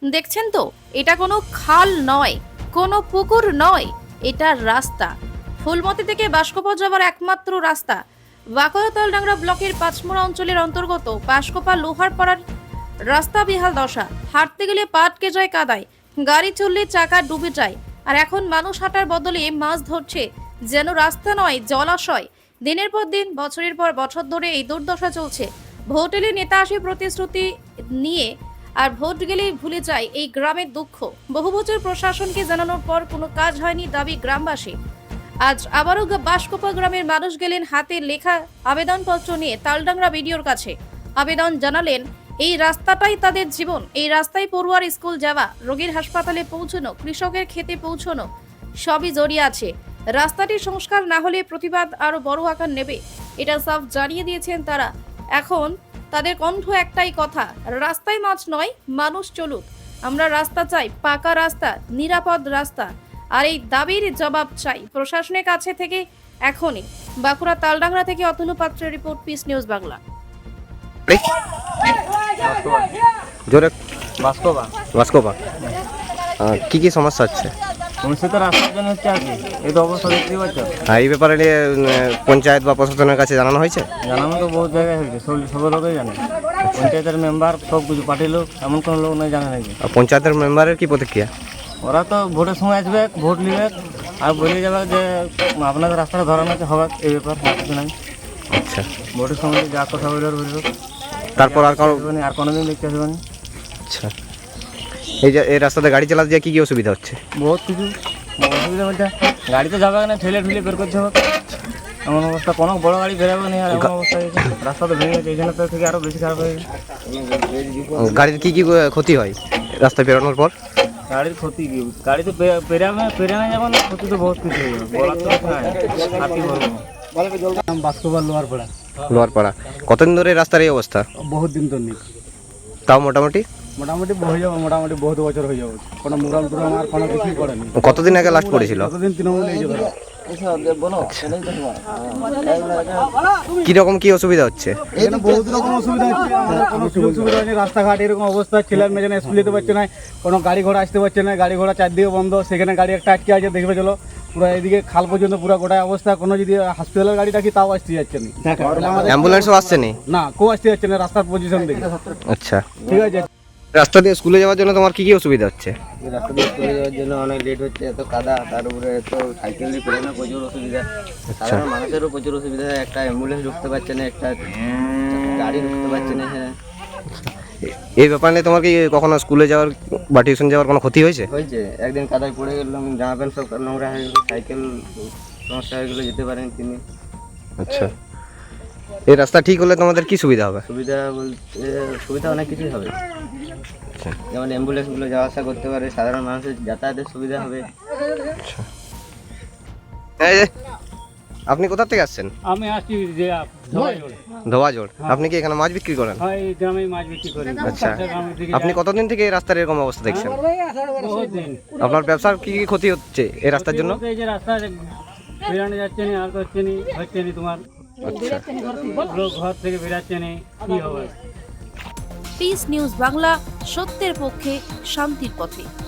দেখছেন তো, এটা কোনো খাল নয়, কোনো পুকুর নয়, এটা রাস্তা। ফুলমতি থেকে বাঁশকোপা যাওয়ার একমাত্র রাস্তা। বাঁকুড়া তালডাংরা ব্লকের পাঁচমোড়া অঞ্চলের অন্তর্গত বাঁশকোপা লোহারপাড়ার রাস্তা বেহাল দশা। হাঁটতে গেলে পা আটকে যায় কাদায়, গাড়ি চললে চাকা ডুবে যায়, আর এখন মানুষ হাঁটার বদলে মাছ ধরছে যেন রাস্তা নয় জলাশয়। দিনের পর দিন, বছরের পর বছর ধরে এই দুর্দশা চলছে। ভোট এলে নেতা আসে প্রতিশ্রুতি নিয়ে, আর ভোট গেলেই ভুলে যায় এই গ্রামের দুঃখ। বহু বছর প্রশাসনকে জানানোর পর কোনো কাজ হয়নি, দাবি গ্রামবাসী। আজ আবারও বাঁশকোপা গ্রামের মানুষ গেলেন হাতে লেখা আবেদনপত্র নিয়ে তালডাংরা বিডিওর কাছে। আবেদন জানালেন এই রাস্তাটাই তাদের জীবন, এই রাস্তায় পড়ুয়ার স্কুল যাওয়া, রোগীর হাসপাতালে পৌঁছানো, কৃষকের খেতে পৌঁছানো সবই জড়িয়ে আছে। রাস্তাটি সংস্কার না হলে প্রতিবাদ আরো বড় আকার নেবে, এটা সাফ জানিয়ে দিয়েছেন তারা। এখন তাদের কণ্ঠ একটাই কথা, রাস্তায় মাছ নয়, মানুষ চলুক। আমরা রাস্তা চাই, পাকা রাস্তা, নিরাপদ রাস্তা, আর এই দাবির জবাব চাই প্রশাসনের কাছে থেকে এখনই। বাঁকুড়া তালডাংরা থেকে অতনু পাত্রের রিপোর্ট, পিস নিউজ বাংলা। জোরে বাস্কোবা বাস্কোপা কি কি সমস্যা হচ্ছে? সমস্যা তো রাস্তার জন্য হচ্ছে আর কি। এই তো অবস্থা দেখতে পাচ্ছ। এই ব্যাপারে নিয়ে পঞ্চায়েত বা প্রশাসনের কাছে জানানো হয়েছে? জানানো তো বহুত জায়গায় হয়েছে, সব লোকই জানে। পঞ্চায়েতের মেম্বার সব কিছু পার্টির লোক, এমন কোনো লোক নাই জানে নাকি। আর পঞ্চায়েতের মেম্বারের কি প্রতিক্রিয়া? ওরা তো ভোটের সময় আসবে, ভোট নিবে আর বলে যাবে যে আপনাদের রাস্তাটা ধরানো হবে, এই ব্যাপার আর কিছু নাই। আচ্ছা, ভোটের সময় যা কথা বলে বলবে, তারপর আর কারো? আর কোনোদিন দেখতে আসবে না। আচ্ছা, এই যে এই রাস্তাতে গাড়ি চালাতে গিয়ে কী কী অসুবিধা হচ্ছে? বহুত কিছু অসুবিধা বলতে গাড়ি তো যাবে না, ঠেলে বের করতে হবে। এমন অবস্থা, কোনো বড় গাড়ি বেরোবে না। আর এমন অবস্থা হয়েছে, রাস্তা তো ভেঙে গেছে, এখানে তো থেকে আরও বেশি খারাপ হয়ে গেছে। গাড়ির কি কি ক্ষতি হয় রাস্তায় বেরোনোর পর? গাড়ির ক্ষতি কি, গাড়ি তো পেরানো যাবে না, ক্ষতি তো বহুত কিছু হয়ে যাবে। বলার তো কিছু নাই, আর কি বলবো। বাস্কোবার লোহারপাড়া। লোহারপাড়া। কতদিন ধরে এই রাস্তার এই অবস্থা? বহুত দিন তো নেই, তাও মোটামুটি মোটামুটি হয়ে যাবে, মোটামুটি বহুত বছর হয়ে যাবে। কোনো মুরাম টুরাম আর কোনো কিছুই করেনি। কতদিন আগে লাস্ট পড়েছিল? কতদিন তৃণমূল এই যাবে। কীরকম কি অসুবিধা হচ্ছে? এখানে বহুত রকম অসুবিধা হচ্ছে, আমাদের কোনো সুযোগ সুবিধা হয়নি। রাস্তাঘাট এরকম অবস্থা, ছেলে মেয়ে যেন স্কুল যেতে পারছে না, কোনো গাড়ি ঘোড়া আসতে পারছে না, গাড়ি ঘোড়া চারদিকে বন্ধ। সেখানে গাড়ি একটা আটকে আছে, দেখবে চলো পুরো এদিকে খাল পর্যন্ত পুরো গোটায় অবস্থা। কোনো যদি হসপিটালের গাড়ি ডাকি তাও আসতে যাচ্ছে না, অ্যাম্বুলেন্সও আসছে না? না, কেউ আসতে যাচ্ছে না রাস্তার পজিশন দেখে। আচ্ছা, ঠিক আছে। রাস্তা দিয়ে স্কুলে যাওয়ার জন্য তোমার কি কি অসুবিধা হচ্ছে? রাস্তা দিয়ে চলে যাওয়ার জন্য অনেক লেট হচ্ছে, এত কাদা, তার উপরে এত সাইকেল দিয়ে পেরোনো প্রচুর অসুবিধা। সাধারণ মানুষেরও প্রচুর অসুবিধা, একটা অ্যাম্বুলেন্স ঢুকতে পারছে না, একটা গাড়ি ঢুকতে পারছে না। হ্যাঁ, এই ব্যাপারে নিয়ে তোমার কি কখনো স্কুলে যাওয়ার বা টিউশন যাওয়ার কোনো ক্ষতি হয়েছে? হয়েছে। একদিন কাদায় পড়ে গেলাম, জামা প্যান্ট সব নোংরা হয়ে গেলো, সাইকেল সমস্যা হয়ে গেলো, যেতে পারেন তিনি। আচ্ছা, এই রাস্তা ঠিক হলে তোমাদের কি সুবিধা হবে? সুবিধা বলতে সুবিধা অনেক কিছুই হবে, যেমন অ্যাম্বুলেন্সগুলো যাওয়া আসা করতে পারে, সাধারণ মানুষের যাতায়াতের সুবিধা হবে। এই যে, আপনি কোথা থেকে আসছেন? আমি আসছি যে ধোয়াজোড়। আপনি কি এখানে মাছ বিক্রি করেন? এই গ্রামে মাছ বিক্রি করি। আচ্ছা, আপনি কতদিন থেকে এই রাস্তার এরকম অবস্থা দেখছেন? বহুত দিন। আপনার ব্যবসার কি কি ক্ষতি হচ্ছে এই রাস্তার জন্য? এই যে রাস্তা বেরানো যাচ্ছে না, আর হচ্ছে না তোমার। আচ্ছা, লোক ঘর থেকে বেরাচ্ছে না, কি হবে? পিস নিউজ বাংলা, সত্যের পক্ষে, শান্তির পথে।